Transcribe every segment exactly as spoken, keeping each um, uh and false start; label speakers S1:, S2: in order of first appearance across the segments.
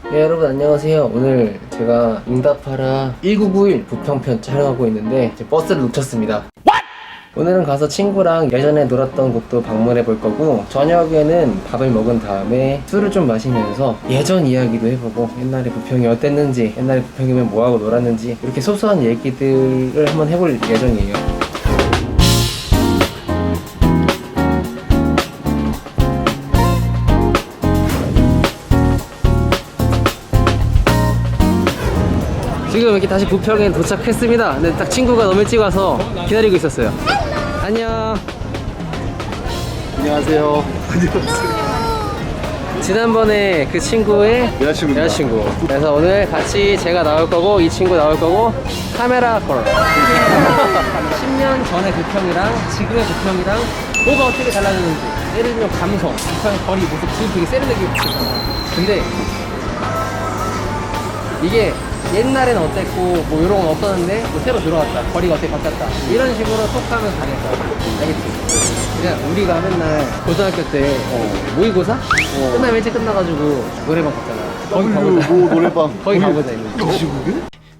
S1: 네, 여러분 안녕하세요. 오늘 제가 응답하라 천구백구십일 부평편 촬영하고 있는데 이제 버스를 놓쳤습니다. 오늘은 가서 친구랑 예전에 놀았던 곳도 방문해 볼 거고, 저녁에는 밥을 먹은 다음에 술을 좀 마시면서 예전 이야기도 해보고, 옛날에 부평이 어땠는지, 옛날에 부평이면 뭐하고 놀았는지, 이렇게 소소한 얘기들을 한번 해볼 예정이에요. 지금 이렇게 다시 부평에 도착했습니다. 근데 딱 친구가 너무 일찍 와서 기다리고 있었어요. 안녕.
S2: 안녕하세요.
S1: 지난번에 그 친구의
S2: 여자친구입니다.
S1: 여자친구. 그래서 오늘 같이 제가 나올 거고 이 친구 나올 거고 카메라 걸. 십 년 전의 부평이랑 지금의 부평이랑 뭐가 어떻게 달라졌는지, 예를 들면 감성, 부평의 거리 모습, 지금 되게 세련되게 있잖아. 근데 이게 옛날에는 어땠고 뭐 이런 건 없었는데 뭐 새로 들어왔다, 거리가 어떻게 바뀌었다, 이런 식으로 톡하면 가겠다. 알겠지? 그냥 우리가 맨날 고등학교 때 어, 모의고사? 어. 끝나면 일찍 끝나가지고 노래방 갔잖아. 거기 가보자.
S2: 뭐 노래방.
S1: 거기 가보자 이거.
S2: 시국에?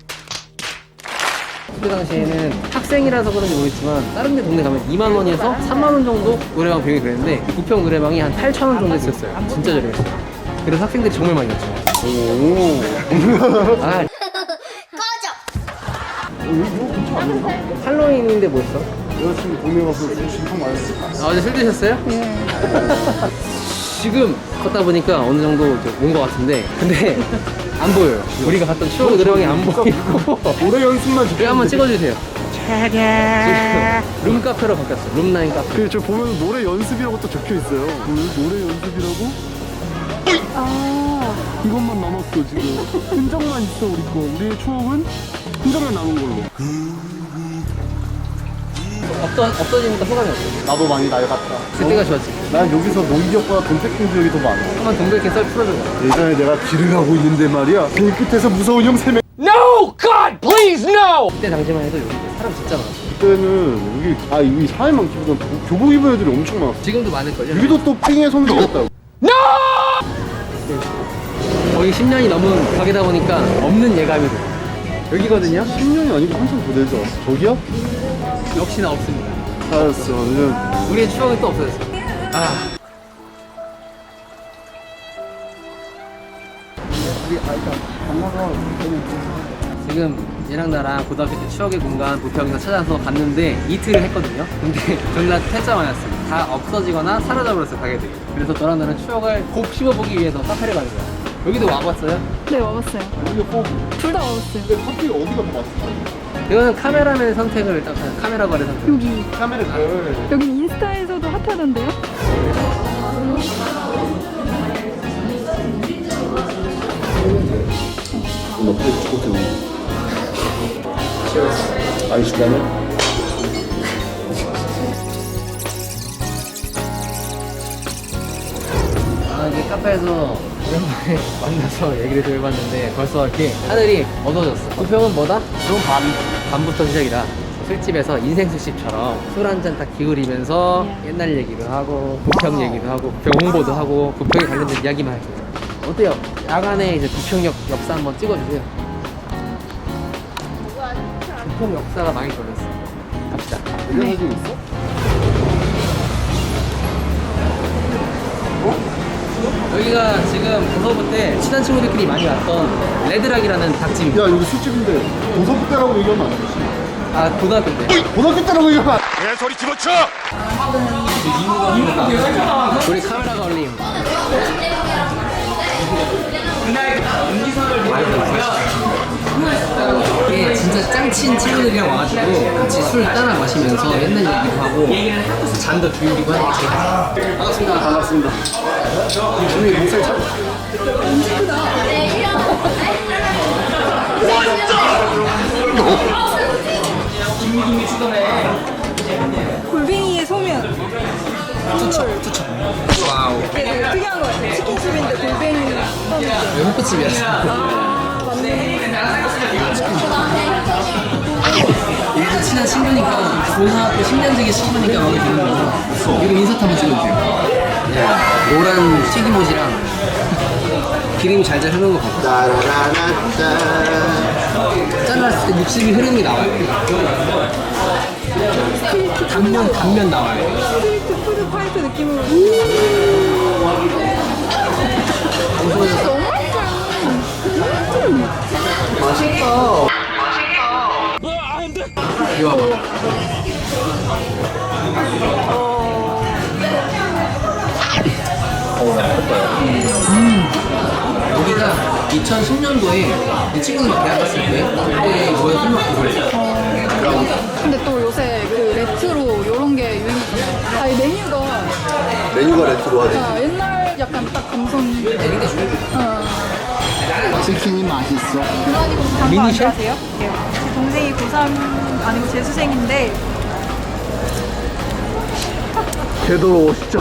S1: 그때 당시에는 학생이라서 그런지 모르겠지만 다른 데 동네 가면 이만 원에서 삼만 원 정도 노래방 비용이 그랬는데 부평 노래방이 한 팔천 원 정도 했었어요. 진짜 저렴했어요. 그래서 학생들이 정말 많이 갔죠.
S2: 오.
S1: 아, 할로윈인데 뭐 있어?
S2: 여자친구 동네 가서 술 신청 많이 했어.
S1: 아, 어제 술 드셨어요? 네. 지금 걷다 보니까 어느 정도 온 것 같은데, 근데 안 보여요. 우리가 갔던 추억 노래방이 안 보이고.
S2: 노래 연습만
S1: 여기 한번 찍어주세요. 지금 룸카페로 바뀌었어. 룸라인 카페.
S2: 그 저 보면 노래 연습이라고 또 적혀 있어요. 그 노래 연습이라고?
S3: 아,
S2: 이것만 남았어 지금. 흔적만 있어 우리 거. 우리의 추억은 흔적만 남은 걸로.
S1: 없어, 없어지니까 소감이 어때?
S2: 나도 많이 낡았다.
S1: 그때가 좋았지.
S2: 난 여기서 농기업보다 돈 뺏긴 기억이 더 많아.
S1: 한번 동백해 썰 풀어줘.
S2: 예전에 내가 길을 가고 있는데 말이야. 길 끝에서 무서운 형 세 명.
S1: No! God, please, no! 그때 당시만 해도 여기 사람 진짜 많았어.
S2: 그때는 여기 아 여기 사회 많기보단 교복 입은 애들이 엄청 많았어.
S1: 지금도 많을걸요?
S2: 여기도 또 삥의 성지였다고.
S1: 거의 십 년이 넘은 가게다 보니까 없는 예감이 들어. 여기거든요?
S2: 십 년이 아니고 한참 더 되죠. 저기야?
S1: 역시나 없습니다.
S2: 알았어. 요즘
S1: 우리의 추억이 또 없어졌어. 아. 지금 얘랑 나랑 고등학교 때 추억의 공간 부평에서 찾아서 갔는데 이틀을 했거든요. 근데 전날 퇴짜만이었어요. 다 없어지거나 사라져버렸어, 가게들이. 그래서 너랑 나는 추억을 곱 씹어보기 위해서 카페를 가는 거야. 여기도 와봤어요?
S3: 네, 와봤어요.
S2: 여기가 꼭
S3: 둘 다 와봤어요.
S2: 근데 하필 어디가 더 맛있어?
S1: 이거는 카메라맨 선택을 딱 하는, 카메라 거래 선택.
S3: 여기.
S2: 카메라 걸.
S3: 여기 인스타에서도 핫하던데요?
S2: 너 그래 죽었어. 아이 시간에.
S1: 아, 이게 카페에서 오랜만에 만나서 얘기를 좀 해봤는데 벌써 이렇게 하늘이 어두워졌어. 부평은 뭐다? 그럼 밤. 밤부터 시작이다. 술집에서 인생 술집처럼 술 한 잔 딱 기울이면서 옛날 얘기도 하고 부평 얘기도 하고 부평 홍보도 하고 부평에 관련된 이야기만 할게요. 어때요? 야간에 이제 부평역 역사 한번 찍어주세요. 부평 역사가 많이 돌렸어. 갑시다.
S2: 이런 사진 있어?
S1: 여기가 지금 고서부 때 친한 친구들끼리 많이 왔던 레드락이라는 닭집입니다.
S2: 야 여기 술집인데 고등학교 때라고 얘기하면 안 되지.
S1: 아, 고등학교 때.
S2: 고등학교 때라고 얘기하면 안 돼.
S1: 우리 카메라가 올림. 이게 진짜 짱친 친구들이랑 와가지고 같이 술 따라 마시면서 옛날 얘기도 하고 잔도 기울이고 하니까. 반갑습니다.
S2: 반갑습니다. 우리 목소리 참.
S3: 골뱅이의 소면.
S1: 투척, 투척. 와우.
S3: 되게 특이한 거 같아요. 치킨집인데 골뱅이 소면.
S1: 여기 호프집이었어.
S3: 아, 맞네.
S1: 우리도 친한 친구니까 고등학교 십 년 지기 친구니까 마음에 드는 거. 이거 인사트 한번 찍어주세요. 노란 튀김옷이랑 기름이 잘잘 흐르는 거 봐봐.
S4: 따라라라따.
S1: 잘랐을 때 육즙이 흐르는 게 나와요. 단면 단면 나와요.
S3: 스트리트 푸드 파이트 느낌으로.
S1: 너무 맛있어요. 맛있다. 이거 봐봐. 어, 음. 여기가 이천십 년도에 친구들과 대학 갔을 때 그때 이거에 술 먹고 그랬어요.
S3: 근데 또 요새 그 레트로 이런 게 유행이잖아요. 아니 메뉴가
S4: 메뉴가 레트로하네.
S3: 아, 옛날 약간 딱 감성. 어.
S4: 치킨이 맛있어.
S3: 그만이고 방금
S1: 미니
S3: 안
S1: 셰프?
S3: 가세요? 네. 제 동생이 고삼 아니고 재수생인데
S4: 되도록 오시죠.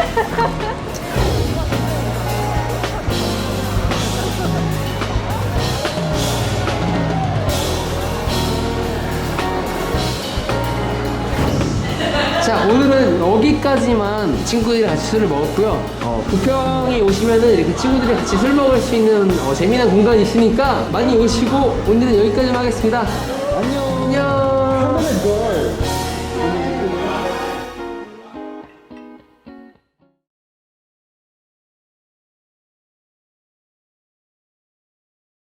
S1: 자, 오늘은 여기까지만 친구들이랑 같이 술을 먹었고요. 어, 부평에 오시면은 이렇게 친구들이랑 같이 술 먹을 수 있는 어, 재미난 공간이 있으니까 많이 오시고 오늘은 여기까지만 하겠습니다. 안녕. 안녕.